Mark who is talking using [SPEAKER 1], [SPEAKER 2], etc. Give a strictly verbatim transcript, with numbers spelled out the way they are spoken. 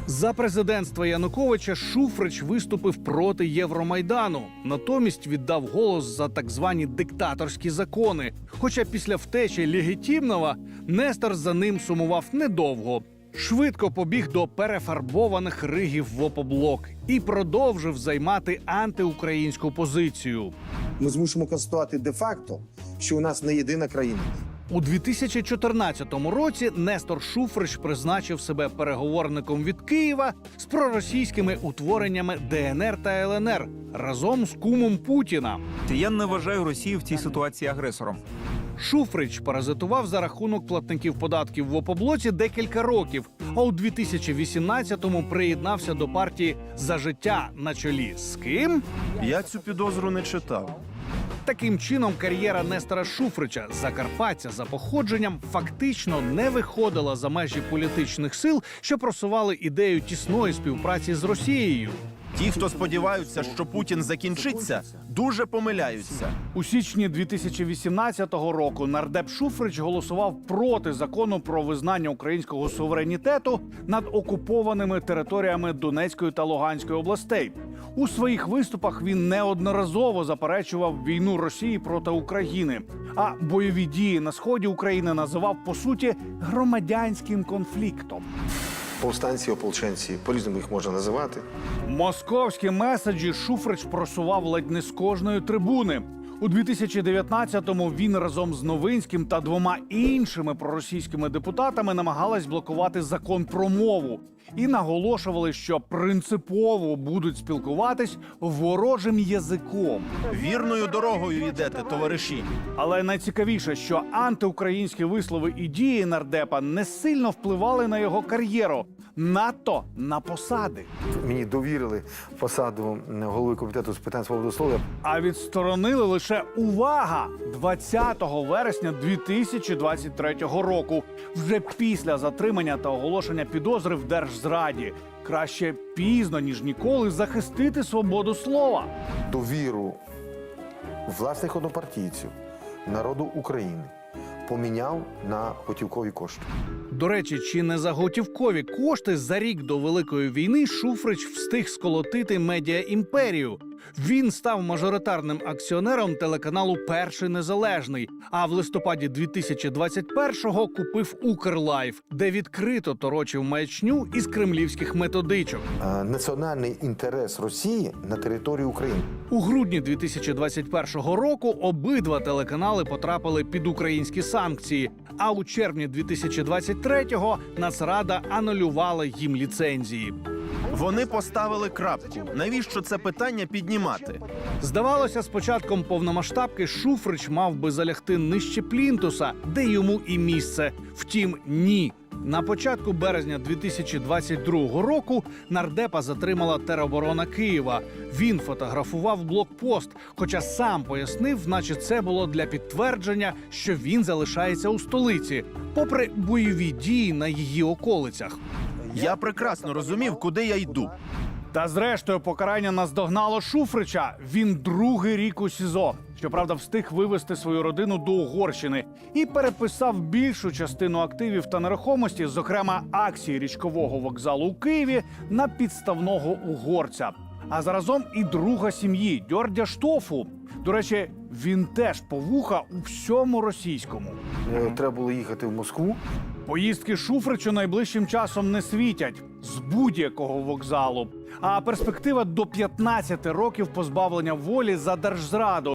[SPEAKER 1] За президентства Януковича Шуфрич виступив проти Євромайдану. Натомість віддав голос за так звані диктаторські закони. Хоча після втечі Легітімного Нестор за ним сумував недовго. Швидко побіг до перефарбованих ригів в Опоблок і продовжив займати антиукраїнську позицію.
[SPEAKER 2] Ми змушуємо констатувати де-факто, що у нас не єдина країна.
[SPEAKER 1] У дві тисячі чотирнадцятому році Нестор Шуфрич призначив себе переговорником від Києва з проросійськими утвореннями Де Ен Ер та Ел Ен Ер разом з кумом Путіна.
[SPEAKER 3] Я не вважаю Росію в цій ситуації агресором.
[SPEAKER 1] Шуфрич паразитував за рахунок платників податків в Опоблоці декілька років, а у дві тисячі вісімнадцятому приєднався до партії «За життя» на чолі з ким?
[SPEAKER 4] Я цю підозру не читав.
[SPEAKER 1] Таким чином, кар'єра Нестора Шуфрича, закарпатця за походженням, фактично не виходила за межі політичних сил, що просували ідею тісної співпраці з Росією.
[SPEAKER 4] Ті, хто сподіваються, що Путін закінчиться, дуже помиляються.
[SPEAKER 1] У січні дві тисячі вісімнадцятого року нардеп Шуфрич голосував проти закону про визнання українського суверенітету над окупованими територіями Донецької та Луганської областей. У своїх виступах він неодноразово заперечував війну Росії проти України, а бойові дії на сході України називав, по суті, громадянським конфліктом.
[SPEAKER 2] Повстанці, ополченці, по-різному їх можна називати.
[SPEAKER 1] Московські меседжі Шуфрич просував ледь не з кожної трибуни. У дві тисячі дев'ятнадцятому він разом з Новинським та двома іншими проросійськими депутатами намагались блокувати закон про мову і наголошували, що принципово будуть спілкуватись ворожим язиком.
[SPEAKER 4] Вірною дорогою йдете, товариші.
[SPEAKER 1] Але найцікавіше, що антиукраїнські вислови і дії нардепа не сильно впливали на його кар'єру, надто на посади.
[SPEAKER 2] Мені довірили посаду голови комітету з питань свободи слова.
[SPEAKER 1] А відсторонили лише, увага, двадцятого вересня дві тисячі двадцять третього року, вже після затримання та оголошення підозри в держзраді. Краще пізно, ніж ніколи, захистити свободу слова.
[SPEAKER 2] Довіру власних однопартійців, народу України поміняв на готівкові кошти.
[SPEAKER 1] До речі, чи не за готівкові кошти за рік до Великої війни Шуфрич встиг сколотити медіаімперію? Він став мажоритарним акціонером телеканалу «Перший незалежний», а в листопаді дві тисячі двадцять першого купив «Укрлайф», де відкрито торочив маячню із кремлівських методичок.
[SPEAKER 2] Е, Національний інтерес Росії на території України.
[SPEAKER 1] У грудні дві тисячі двадцять першого року обидва телеканали потрапили під українські санкції, а у червні дві тисячі двадцять третього Нацрада анулювала їм ліцензії.
[SPEAKER 4] Вони поставили крапку. Навіщо це питання піднімати?
[SPEAKER 1] Здавалося, з початком повномасштабки Шуфрич мав би залягти нижче плінтуса, де йому і місце. Втім, ні. На початку березня дві тисячі двадцять другого року нардепа затримала тероборона Києва. Він фотографував блокпост, хоча сам пояснив, наче це було для підтвердження, що він залишається у столиці, попри бойові дії на її околицях.
[SPEAKER 4] Я прекрасно розумів, куди я йду.
[SPEAKER 1] Та зрештою покарання наздогнало Шуфрича. Він другий рік у СІЗО. Щоправда, встиг вивезти свою родину до Угорщини і переписав більшу частину активів та нерухомості, зокрема акції річкового вокзалу у Києві, на підставного угорця. А заразом і друга сім'ї Дьордя Штофу. До речі, він теж повуха у всьому російському.
[SPEAKER 2] Е, Треба було їхати в Москву.
[SPEAKER 1] Поїздки Шуфричу найближчим часом не світять з будь-якого вокзалу. А перспектива до п'ятнадцяти років позбавлення волі за держзраду